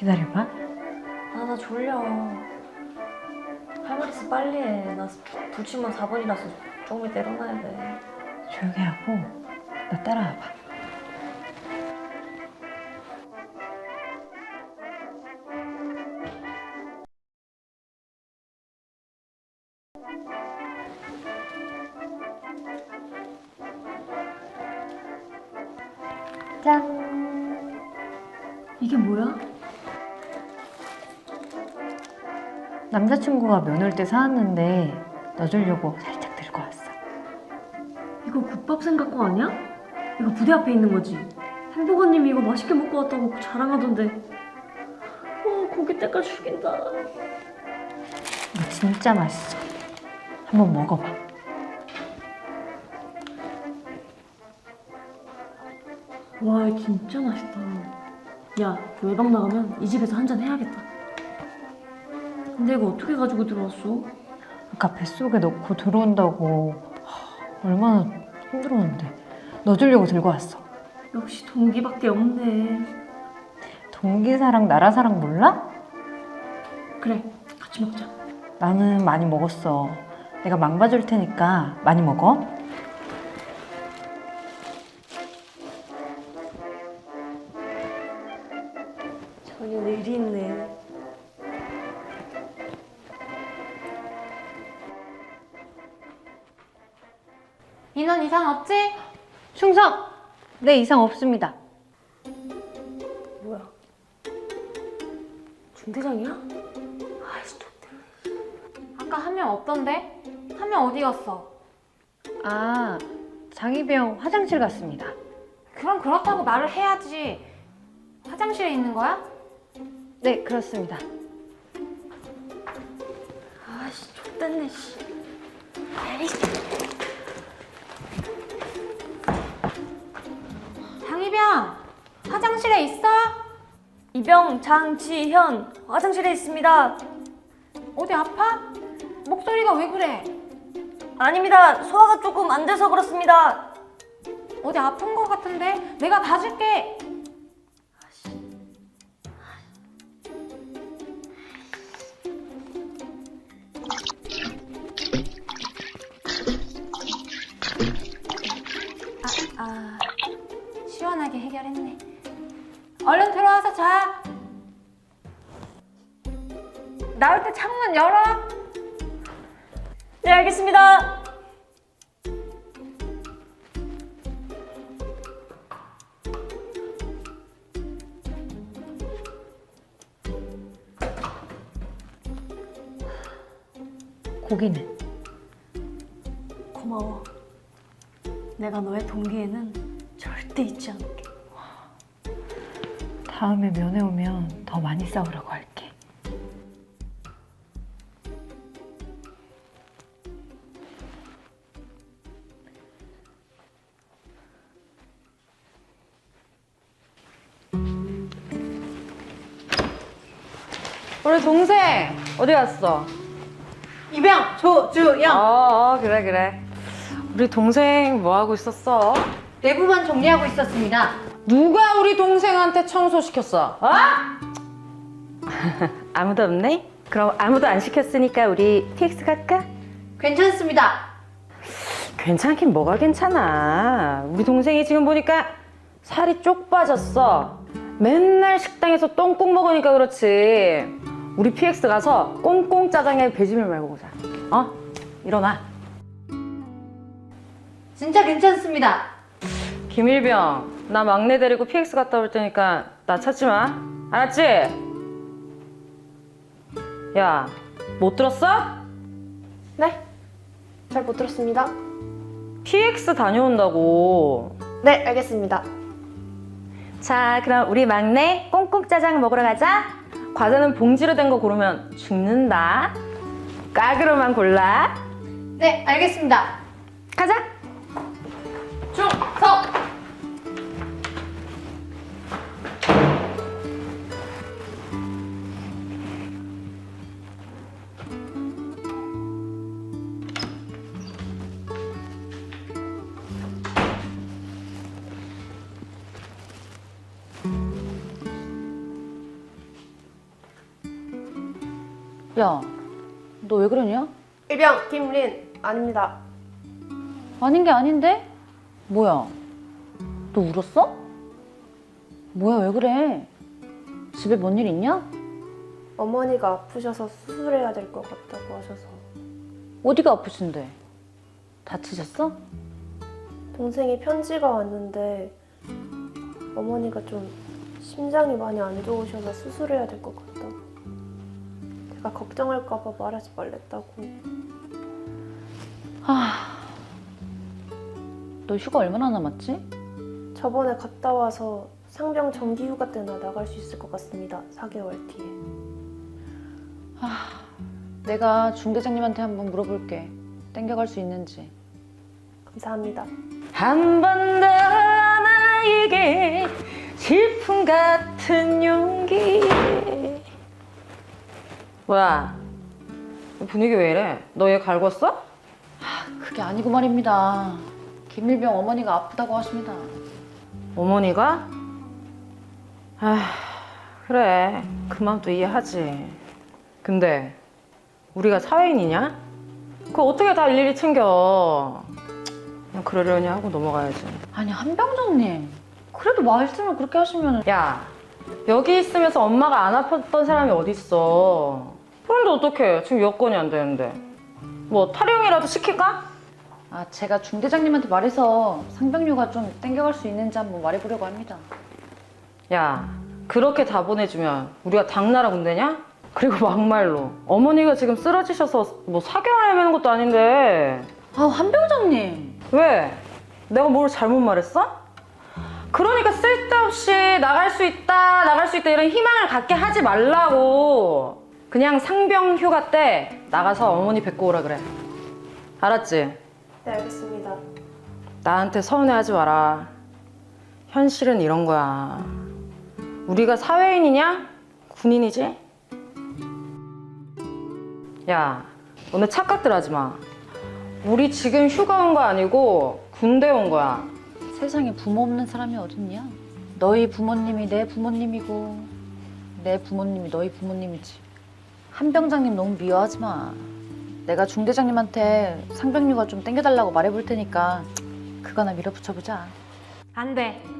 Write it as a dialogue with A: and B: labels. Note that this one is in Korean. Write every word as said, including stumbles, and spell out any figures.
A: 기다려봐.
B: 아, 나 졸려. 할 말 있어 빨리 해. 나 불침번 사 번이라서 조금 이따 일어나야 돼.
A: 조용히 하고 너 따라와봐.
B: 짠. 이게 뭐야?
A: 남자친구가 면 올 때 사왔는데 너 주려고 살짝 들고 왔어.
B: 이거 국밥 생각거 아니야? 이거 부대 앞에 있는 거지? 햄버거님이 이거 맛있게 먹고 왔다고 자랑하던데. 어, 고기 때깔 죽인다.
A: 이거 진짜 맛있어. 한번 먹어봐.
B: 와, 진짜 맛있다. 야, 외박 나가면 이 집에서 한잔 해야겠다. 근데 이거 어떻게 가지고 들어왔어?
A: 아까 뱃속에 넣고 들어온다고. 하, 얼마나 힘들었는데. 너 주려고 들고 왔어.
B: 역시 동기밖에 없네.
A: 동기사랑 나라사랑 몰라?
B: 그래, 같이 먹자.
A: 나는 많이 먹었어. 내가 망봐줄 테니까 많이 먹어.
B: 전혀 의리 있네.
C: 인원 이상 없지?
A: 충성! 네, 이상 없습니다.
B: 뭐야? 중대장이야? 아이씨, 또 때문에.
C: 아까 한 명 없던데? 한 명 어디 갔어?
A: 아, 장희병 화장실 갔습니다.
C: 그럼 그렇다고 말을 해야지. 화장실에 있는 거야?
A: 네, 그렇습니다.
B: 아이씨, 좆됐네, 씨.
C: 장희병! 화장실에 있어?
B: 이병 장지현 화장실에 있습니다.
C: 어디 아파? 목소리가 왜 그래?
B: 아닙니다. 소화가 조금 안 돼서 그렇습니다.
C: 어디 아픈 거 같은데? 내가 봐줄게. 아, 아, 시원하게 해결했네. 얼른 들어와서 자. 나올 때 창문 열어.
B: 네, 알겠습니다.
A: 고기는?
B: 고마워. 내가 너의 동기에는 절대 잊지 않을게.
A: 다음에 면회 오면 더 많이 싸우라고 할게.
D: 우리 동생 어디 갔어?
A: 이병, 조주영!
D: 어, 어 그래 그래. 우리 동생 뭐 하고 있었어?
A: 내부만 정리하고 있었습니다.
D: 누가 우리 동생한테 청소 시켰어? 어? 아무도 없네? 그럼 아무도 안 시켰으니까 우리 티엑스 갈까?
A: 괜찮습니다.
D: 괜찮긴 뭐가 괜찮아. 우리 동생이 지금 보니까 살이 쪽 빠졌어. 맨날 식당에서 똥국 먹으니까 그렇지. 우리 피엑스 가서 꽁꽁 짜장에 배지밀 말고 보자. 어? 일어나.
A: 진짜 괜찮습니다.
D: 김일병, 나 막내 데리고 피엑스 갔다 올 테니까 나 찾지 마. 알았지? 야, 못 들었어?
B: 네? 잘 못 들었습니다.
D: 피엑스 다녀온다고.
B: 네, 알겠습니다.
D: 자, 그럼 우리 막내 꽁꽁 짜장 먹으러 가자. 과자는 봉지로 된 거 고르면 죽는다. 까그로만 골라.
A: 네, 알겠습니다.
D: 가자.
A: 충성!
D: 야, 너 왜 그러냐?
E: 일병 김린 아닙니다.
D: 아닌 게 아닌데? 뭐야? 너 울었어? 뭐야, 왜 그래? 집에 뭔 일 있냐?
E: 어머니가 아프셔서 수술해야 될 것 같다고 하셔서.
D: 어디가 아프신데? 다치셨어?
E: 동생이 편지가 왔는데 어머니가 좀 심장이 많이 안 좋으셔서 수술해야 될 것 같다고. 제가 걱정할까 봐 말하지 말랬다고.
D: 너 휴가 얼마나 남았지?
E: 저번에 갔다 와서 상병 정기 휴가 때나 나갈 수 있을 것 같습니다. 사 개월 뒤에.
D: 내가 중대장님한테 한번 물어볼게. 땡겨갈 수 있는지.
E: 감사합니다.
D: 한 번 더 나에게 질풍 같은 용기. 뭐야? 분위기 왜 이래? 너 얘 갈궜어? 그게 아니고 말입니다. 김일병 어머니가 아프다고 하십니다. 어머니가? 아, 그래. 그 마음도 이해하지. 근데 우리가 사회인이냐? 그거 어떻게 다 일일이 챙겨. 그냥 그러려니 하고 넘어가야지. 아니, 한병장님. 그래도 말씀을 그렇게 하시면. 야, 여기 있으면서 엄마가 안 아팠던 사람이 어딨어. 그런데 어떡해. 지금 여건이 안 되는데. 뭐 탈영이라도 시킬까? 아, 제가 중대장님한테 말해서 상병휴가 좀 땡겨갈 수 있는지 한번 말해보려고 합니다. 야, 그렇게 다 보내주면 우리가 당나라 군대냐? 그리고 막말로 어머니가 지금 쓰러지셔서 뭐 사 개월 헤매는 것도 아닌데. 아, 한병장님. 왜? 내가 뭘 잘못 말했어? 그러니까 쓸데없이 나갈 수 있다 나갈 수 있다 이런 희망을 갖게 하지 말라고. 그냥 상병 휴가 때 나가서 어머니 뵙고 오라 그래. 알았지?
E: 네, 알겠습니다.
D: 나한테 서운해하지 마라. 현실은 이런 거야. 우리가 사회인이냐? 군인이지? 야, 너네 착각들 하지 마. 우리 지금 휴가 온 거 아니고 군대 온 거야. 세상에 부모 없는 사람이 어딨냐? 너희 부모님이 내 부모님이고 내 부모님이 너희 부모님이지. 한병장님 너무 미워하지 마. 내가 중대장님한테 상병휴가 좀 땡겨달라고 말해볼 테니까 그거나 밀어붙여보자.
C: 안 돼.